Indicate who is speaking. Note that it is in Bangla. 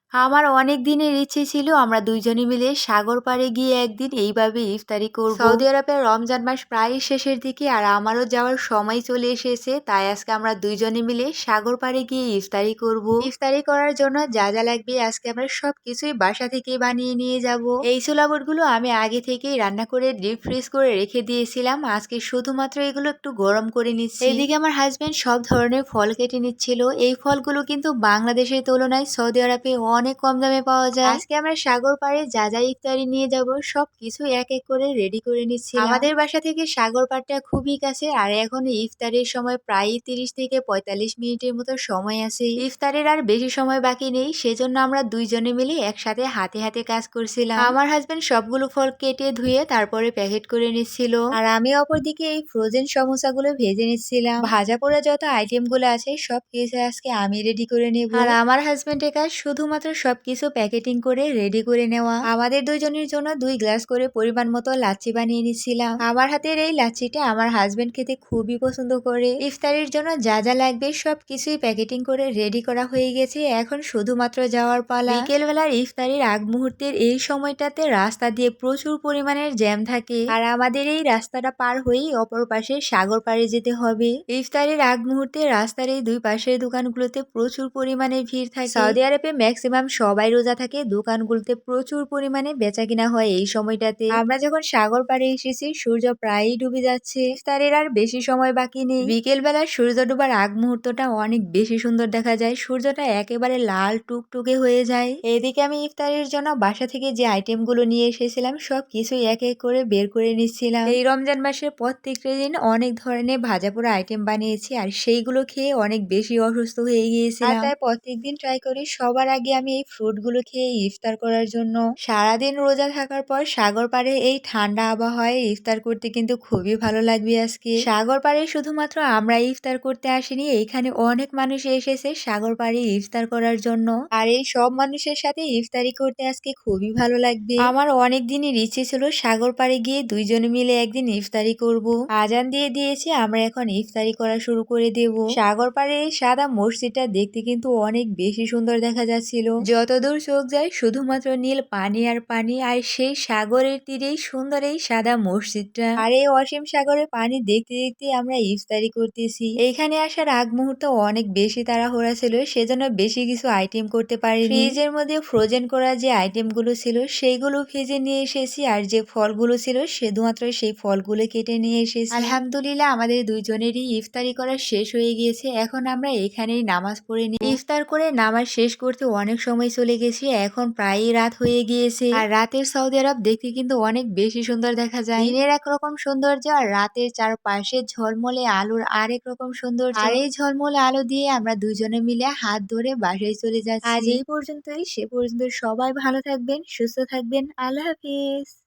Speaker 1: আমার অনেক দিনের ইচ্ছে ছিল আমরা দুইজনে মিলে সাগর পাড়ে গিয়ে একদিন এইভাবে ইফতারি করব। সৌদি আরবের রমজান মাস প্রায় শেষের দিকে আর আমারও যাওয়ার সময় চলে এসেছে, তাই আজকে আমরা দুইজনে মিলে সাগর পাড়ে গিয়ে ইফতারি করব। ইফতারি করার জন্য যা যা লাগবে আজকে আমরা সবকিছুই বাসা থেকে বানিয়ে নিয়ে যাব। এই ছোলাবুটগুলো আমি আগে থেকেই রান্না করে ডিপ ফ্রিজ করে রেখে দিয়েছিলাম, আজকে শুধুমাত্র এগুলো একটু গরম করে নিচ্ছি। এদিকে আমার হাজবেন্ড সব ধরনের ফল কেটে নিচ্ছিল। এই ফলগুলো কিন্তু বাংলাদেশের তুলনায় সৌদি আরবে অনেক কম দামে পাওয়া যায়। আজকে আমরা সাগর পাড়ে যা যা ইফতারি নিয়ে যাব সবকিছু এক এক করে রেডি করে নিচ্ছি। আমাদের বাসা থেকে সাগর পাড়টা খুবই কাছে আর এখন ইফতারের সময় প্রায় 30 থেকে 45 মিনিটের মতো সময় আছে। ইফতারের আর বেশি সময় বাকি নেই, সেজন্য আমরা দুইজনে মিলে একসাথে হাতে হাতে কাজ করছিলাম। আমার হাজবেন্ড সবগুলো ফল কেটে ধুয়ে তারপরে প্যাকেট করে নিচ্ছিল আর আমি অপরদিকে এই ফ্রোজেন সমোসাগুলো ভেজে নিচ্ছিলাম। ভাজা পোড়া যত আইটেম গুলো আছে সব কিছু আজকে আমি রেডি করে নেব আর আমার হাজবেন্ডের কাজ শুধুমাত্র সবকিছু প্যাকেটিং করে রেডি করে নেওয়া। আমাদের দুইজনের জন্য 2 গ্লাস করে পরিমাণ মতো লাচ্ছি বানিয়ে নিচ্ছিলাম। আমার হাতের এই লাচ্ছিটা আমার হাজবেন্ড খেতে খুবই পছন্দ করে। ইফতারির জন্য যা যা লাগবে সবকিছুই প্যাকেটিং করে রেডি করা হয়ে গেছে, এখন শুধুমাত্র যাওয়ার পালা। বিকেল বেলার ইফতারির আগ মুহূর্তের এই সময়টাতে রাস্তা দিয়ে প্রচুর পরিমাণের জ্যাম থাকে আর আমাদের এই রাস্তাটা পার হয়েই অপর পাশে সাগর পাড়ে যেতে হবে। ইফতারির আগ মুহূর্তে রাস্তার এই দুই পাশের দোকানগুলোতে প্রচুর পরিমাণে ভিড় থাকে। সৌদি আরবে ম্যাক্সিমাম সবাই রোজা থাকে, দোকানগুলোতে প্রচুর পরিমাণে বেচা কিনা হয় এই সময়টাতে। আমরা যখন সাগর পাড়ে এসেছি সূর্য প্রায়ই ডুবে যাচ্ছে, ইফতারের আর বেশি সময় বাকি নেই। বিকেল বেলা সূর্য ডুবার আগ মুহূর্তটা অনেক বেশি সুন্দর দেখা যায়, সূর্যটা একেবারে লাল টুকটুকে হয়ে যায়। এদিকে আমি ইফতারের জন্য বাসা থেকে যে আইটেম গুলো নিয়ে এসেছিলাম সব কিছুই এক এক করে বের করে নিচ্ছিলাম। এই রমজান মাসের প্রত্যেকটা দিন অনেক ধরনের ভাজা পোড়া আইটেম বানিয়েছি আর সেইগুলো খেয়ে অনেক বেশি অসুস্থ হয়ে গিয়েছিলাম, তাই প্রত্যেকদিন ট্রাই করি সবার আগে আমি এই ফ্রুট গুলো খেয়ে ইফতার করার জন্য। সারাদিন রোজা থাকার পর সাগর পাড়ে এই ঠান্ডা আবহাওয়ায় ইফতার করতে কিন্তু খুবই ভালো লাগবে। আজকে সাগর পাড়ে শুধুমাত্র আমরা ইফতার করতে আসিনি, এইখানে অনেক মানুষ এসেছে সাগর পাড়ে ইফতার করার জন্য আর এই সব মানুষের সাথে ইফতারি করতে আজকে খুবই ভালো লাগবে। আমার অনেক দিনের ইচ্ছে ছিল সাগর পাড়ে গিয়ে দুইজনে মিলে একদিন ইফতারি করব। আজান দিয়ে দিয়েছে, আমরা এখন ইফতারি করা শুরু করে দেব। সাগর পাড়ে এই সাদা মসজিদটা দেখতে কিন্তু অনেক বেশি সুন্দর দেখা যাচ্ছিল, যতদূর চোখ যায় শুধুমাত্র নীল পানি আর পানি আর সেই সাগরের তীরেই সুন্দর এই সাদা মসজিদটা আর এই অসীম সাগরের পানি দেখতে দেখতে আমরা ইফতারি করতেছি। এইখানে আসার আগ মুহূর্তে অনেক বেশি তাড়াহুড়া ছিল, সেজন্য বেশি কিছু আইটেম করতে পারিনি। ফ্রিজের মধ্যে ফ্রোজেন করা যে আইটেম গুলো ছিল সেইগুলো ভেজে নিয়ে এসেছি আর যে ফলগুলো ছিল শুধুমাত্র সেই ফলগুলো কেটে নিয়ে এসেছি। আলহামদুলিল্লাহ আমাদের দুইজনেরই ইফতারি করা শেষ হয়ে গিয়েছে, এখন আমরা এখানেই নামাজ পড়ে নিই। ইফতার করে নামাজ শেষ করতে অনেক সময় চলে গেছি, এখন প্রায়ই রাত হয়ে গিয়েছে আর রাতের সৌদি আরব দেখতে কিন্তু অনেক বেশি সুন্দর দেখা যায়। দিনের একরকম সৌন্দর্য আর রাতের চারপাশে ঝলমলে আলোর আরেক রকম সৌন্দর্য। আর এই ঝলমলে আলো দিয়ে আমরা দুজনে মিলে হাত ধরে বাসায় চলে যাচ্ছি। আজ এই পর্যন্তই, সে পর্যন্ত সবাই ভালো থাকবেন, সুস্থ থাকবেন। আল্লাহ হাফিজ।